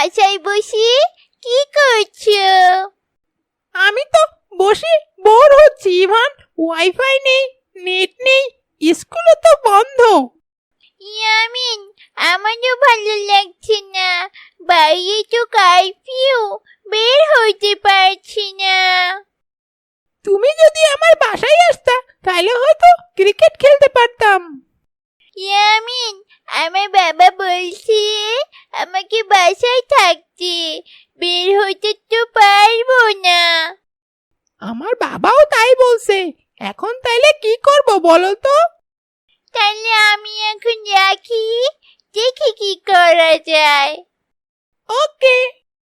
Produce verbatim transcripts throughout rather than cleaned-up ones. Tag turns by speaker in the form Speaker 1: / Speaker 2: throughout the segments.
Speaker 1: বাসায় বসে কি করছো?
Speaker 2: আমি তো বসে বোর হচ্ছি ইভান। ওয়াইফাই নেই, নেট নেই, স্কুলও তো বন্ধ।
Speaker 1: ইয়ামিন, আমারও ভালো লাগছে না। বাইরে তো কারফিউ, বের হইতে পারছি না।
Speaker 2: তুমি যদি আমার বাসায় আসতা তাহলে হয়তো ক্রিকেট খেলতে পারতাম।
Speaker 1: ইয়ামিন, আমার বাবা বলছে আমাকে বাসায় থাকতে, বের হইতে তো পারবো না।
Speaker 2: আমার বাবাও তাই বলছে। এখন তাইলে কি করব বলো তো?
Speaker 1: তাহলে আমি এখন রাখি, দেখি কি করা যায়।
Speaker 2: ওকে।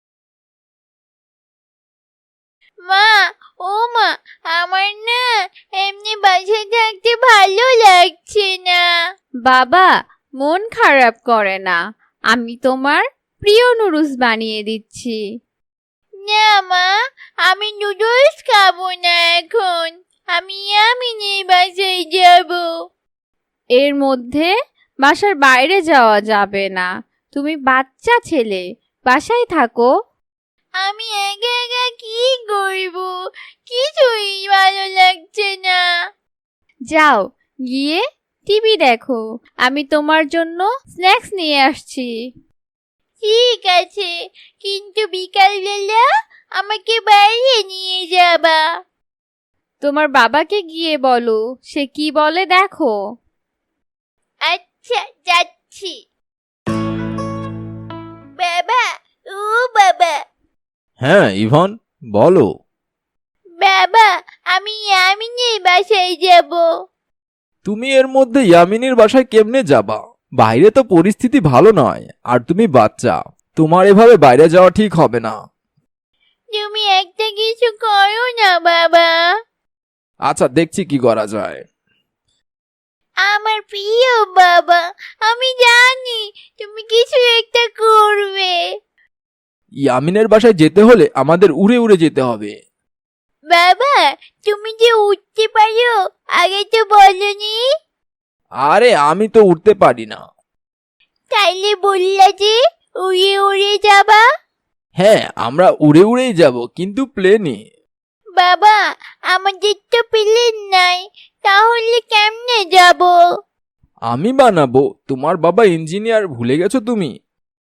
Speaker 1: মা, ও মা, আমার না এমনি বাসায় থাকতে ভালো লাগছে না।
Speaker 3: বাবা, মন খারাপ করে না, আমি তোমার প্রিয় নুডলস বানিয়ে দিচ্ছি।
Speaker 1: না মা, আমি নুডলস খাবো না এখন। আমি ইয়ামিনের বাসায় যাব।
Speaker 3: এর মধ্যে বাসার বাইরে যাওয়া যাবে না, তুমি বাচ্চা ছেলে, বাসায় থাকো।
Speaker 1: আমি একা একা কি করব? কিছুই ভালো লাগছে না।
Speaker 3: যাও, গিয়ে টিভি দেখো, আমি তোমার জন্য স্ন্যাক্স নিয়ে আসছি।
Speaker 1: ঠিক আছে, কিন্তু বিকালবেলা আমাকে বাইরে নিয়ে যাবা।
Speaker 3: তোমার বাবাকে গিয়ে বলো, সে কি বলে দেখো।
Speaker 1: আচ্ছা, যাচ্ছি। বাবা, ও বাবা।
Speaker 4: হ্যাঁ ইভান, বলো।
Speaker 1: বাবা, আমি ইয়ামিনের বাসায় যাব।
Speaker 4: তুমি এর মধ্যে ইয়ামিনীর বাসায় কেমনে যাবা? বাইরে তো পরিস্থিতি ভালো নয়, আর তুমি বাচ্চা, তোমার এভাবে বাইরে যাওয়া ঠিক হবে না।
Speaker 1: তুমি একটা কিছু করো না বাবা।
Speaker 4: আচ্ছা, দেখছি কি করা যায়।
Speaker 1: আমার প্রিয় বাবা, আমি জানি তুমি কিছু একটা করবে।
Speaker 4: ইয়ামিনের বাসায় যেতে হলে আমাদের উড়ে উড়ে যেতে হবে।
Speaker 1: বাবা, তুমি যে উঠতে পারো আগে তো বলনি।
Speaker 4: আরে আমি তো উঠতে পারি না।
Speaker 1: তাইলে বললা যে উড়ে উড়ে যাবা।
Speaker 4: হ্যাঁ, আমরা উড়ে উড়েই যাব, কিন্তু প্লেনে।
Speaker 1: বাবা, আমাদের তো প্লেন নাই, তাহলে কেমনে যাব?
Speaker 4: আমি বানাবো। তোমার বাবা ইঞ্জিনিয়ার, ভুলে গেছো তুমি?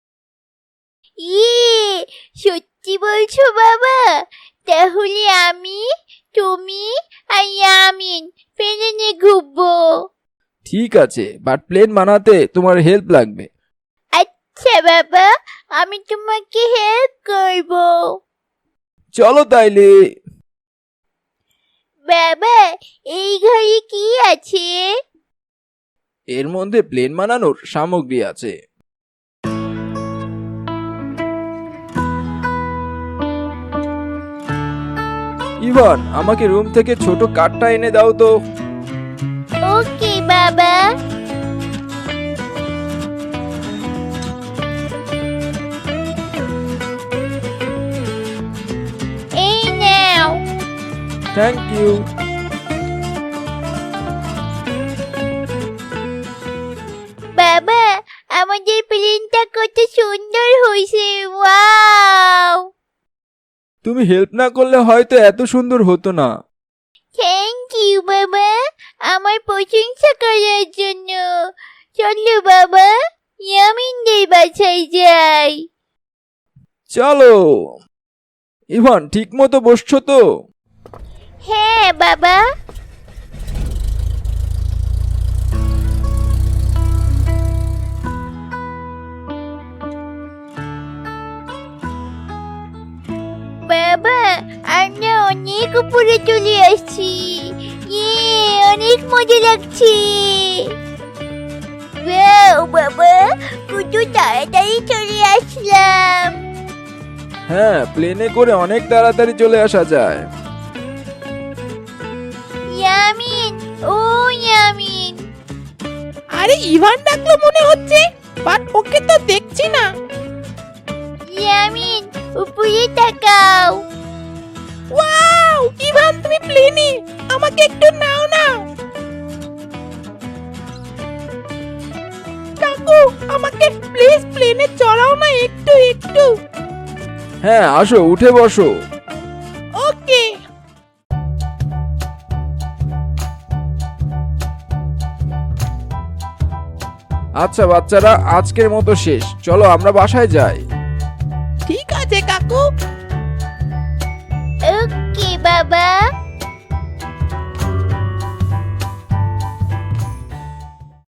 Speaker 1: ইয়ে, সত্যি বলছো বাবা? তাহলে আমি, তুমি আর ইয়ামিন প্লেনে ঘুরবো।
Speaker 4: ঠিক আছে, বাট প্লেন বানাতে তোমার হেল্প লাগবে।
Speaker 1: আচ্ছা বাবা, আমি তোমাকে হেল্প করব।
Speaker 4: চলো তাইলে।
Speaker 1: বাবা, এই ঘরে কি আছে?
Speaker 4: এর মধ্যে প্লেন বানানোর সামগ্রী আছে। ইভান, আমাকে রুম থেকে ছোট কাঠটা এনে দাও তো।
Speaker 1: ওকে বাবা। এই নাও।
Speaker 4: Thank you.
Speaker 1: বাবা, আমাদের প্লেনটা কত সুন্দর হয়েছে। ওয়াও!
Speaker 4: তুমি হেল্প না করলে হয়তো এত সুন্দর হতো না।
Speaker 1: থ্যাংক ইউ বাবা, আমার প্রশংসা করার জন্য। চলো বাবা, ইয়ামিনদের বাসায় যাই।
Speaker 4: চলো। ইভান, ঠিক মতো বসছো তো?
Speaker 1: হ্যাঁ বাবা। বাবা, আমরা অনেক উপরে চলে আসছি। ইয়ে, অনেক মজা লাগছে। ওয়াও বাবা, কত তাড়াতাড়ি চলে আসলাম।
Speaker 4: হ্যাঁ, প্লেনে করে অনেক তাড়াতাড়ি চলে আসা যায়।
Speaker 1: ইয়ামিন, ও ইয়ামিন।
Speaker 2: আরে ইভান ডাকলো মনে হচ্ছে, বাট ওকে তো দেখছি না।
Speaker 1: ইয়ামিন, উপরে তাকাও।
Speaker 2: ওয়াও, ইভান তুমি প্লেনে, আমাকে একটু নাও না। কাকু, আমাকে প্লিজ প্লেনে চড়াও না একটু একটু।
Speaker 4: হ্যাঁ আসো, উঠে বসো।
Speaker 2: ওকে।
Speaker 4: আচ্ছা বাচ্চারা, আজকের মতো শেষ, চলো আমরা বাসায় যাই।